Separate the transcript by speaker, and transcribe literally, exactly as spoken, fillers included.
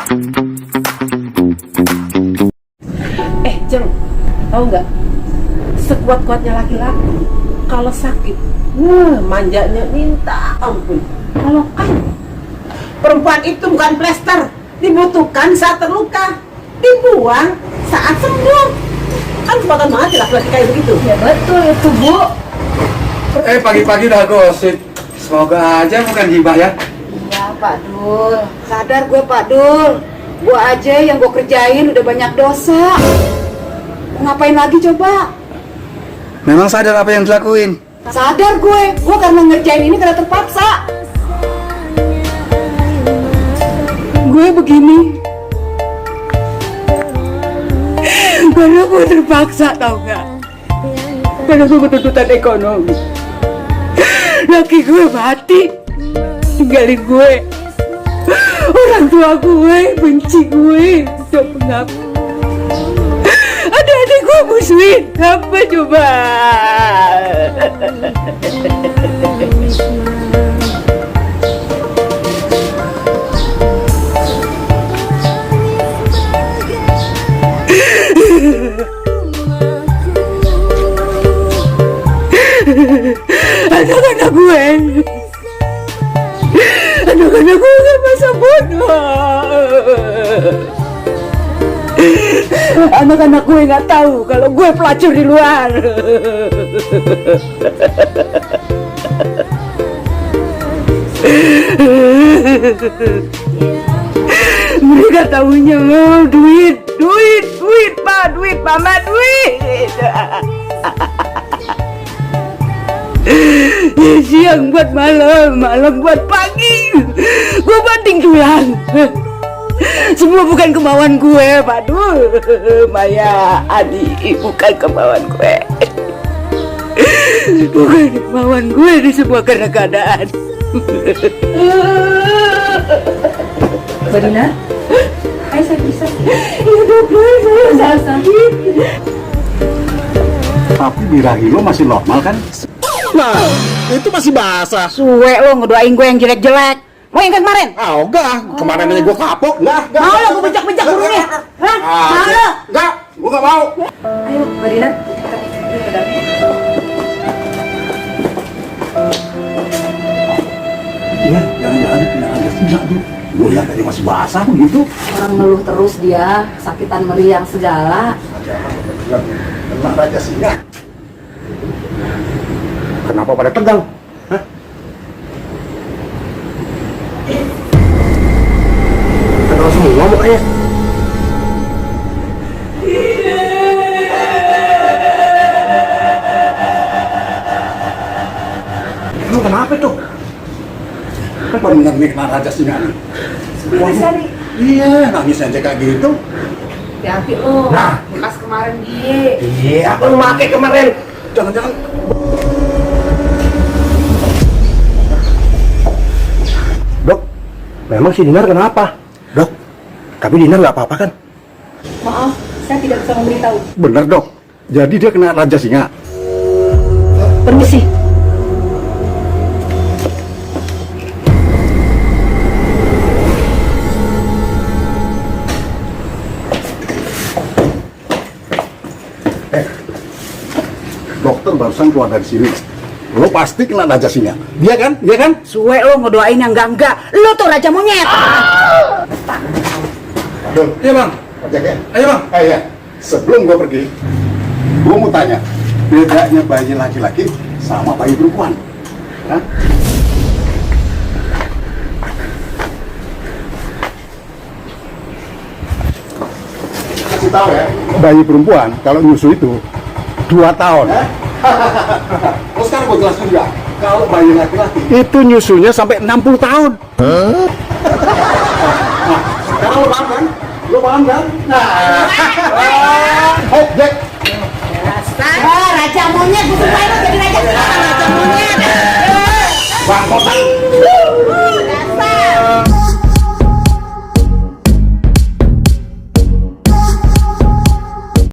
Speaker 1: Eh, Jeng, tahu nggak? Sekuat-kuatnya laki-laki, kalau sakit, wah, manjanya minta ampun. Kalau kan perempuan itu bukan plester, dibutuhkan saat terluka, dibuang saat sembuh. Kan kesempatan banget ya laki-laki kayak begitu.
Speaker 2: Ya betul itu, Bu.
Speaker 3: Eh, pagi-pagi udah gosip. Semoga aja bukan gibah ya.
Speaker 2: Iya, Pak Dul. Sadar gue, Pak Dul. Gue aja yang gue kerjain udah banyak dosa. Mau ngapain lagi coba?
Speaker 3: Memang sadar apa yang dilakuin?
Speaker 2: Sadar gue. Gue karena ngerjain ini karena terpaksa. Gue begini karena gue terpaksa, tau gak? Karena gue bertuntutan ekonomi. Laki gue mati, tinggalin gue. Orang tua gue benci gue, udah mengaku. Adik-adik gue musuhin, apa coba? Anak-anak gue Anak-anak gue kan masa bodoh. Anak-anak gue gak tahu kalau gue pelacur di luar. Mereka tahunya mau duit, duit, duit, Pak, duit, Mama, duit. Siang buat malam, malam buat pagi. Gue banting tulang. Semua bukan kemauan gue, Pak Dul. Maya, Adi, bukan kemauan gue. Bukan kemauan gue di semua karena keadaan.
Speaker 4: Mbak Dina? Hai, saya bisa.
Speaker 2: Ya dokter, saya sakit.
Speaker 5: Tapi birahi lo masih normal kan?
Speaker 6: Nah, itu masih basah.
Speaker 2: Suwe lo ngedoain gue yang jelek-jelek. Mau yang kemarin?
Speaker 6: Ah, enggak. Kemarin aja gue kapok. Enggak, enggak.
Speaker 2: Mau lo gue bejak-bejak burungnya? Hah?
Speaker 6: Ah,
Speaker 2: Mau lo?
Speaker 6: enggak, gue enggak mau.
Speaker 4: Ayo, Mbak Dina, kita pergi ke dalam.
Speaker 5: Iya, jangan-jangan kena ada tidak tuh. Gue lihat tadi masih basah begitu.
Speaker 4: Orang ngeluh terus dia, sakitan meriang segala.
Speaker 5: Kena raja singa. Kenapa pada tegang? Hah? Tegang semua mukanya. Emang kenapa tuh? Kan bener nih kena raja singa nih.
Speaker 4: Sebentar sekali.
Speaker 5: Iya, nangis aja kayak gitu.
Speaker 4: Hati-hati lo,
Speaker 5: Nah.
Speaker 4: bekas kemarin dia.
Speaker 5: Iya, apa lu pakai kemarin? Jangan-jangan. Dok, memang si Dinar kenapa? Dok, tapi Dinar nggak apa-apa kan?
Speaker 4: Maaf, saya tidak bisa memberitahu.
Speaker 5: Bener dok, jadi dia kena raja singa.
Speaker 4: Permisi.
Speaker 5: Dokter barusan keluar dari sini. Lo pasti kena raja singa. Dia kan? Dia kan?
Speaker 2: Suwe lo ngedoain yang enggak-enggak. Lo tuh raja monyet.
Speaker 5: Aduh,
Speaker 3: Iya bang,
Speaker 5: ojek ya?
Speaker 3: ayo bang.
Speaker 5: Eh ya, sebelum gue pergi, gue mau tanya, bedanya bayi laki-laki sama bayi perempuan? Hah? Kasih tahu ya, bayi perempuan kalau nyusu itu dua tahun. Terus sekarang gue jelasin juga, kalau bayi laki-laki itu nyusunya sampai enam puluh tahun. Nah, sekarang lo paham kan? Lo paham kan? Nah, oh, Jack.
Speaker 2: Ah, raja monyet. Gue sumpahin lo jadi raja. Raja monyet.
Speaker 5: Bang, kotak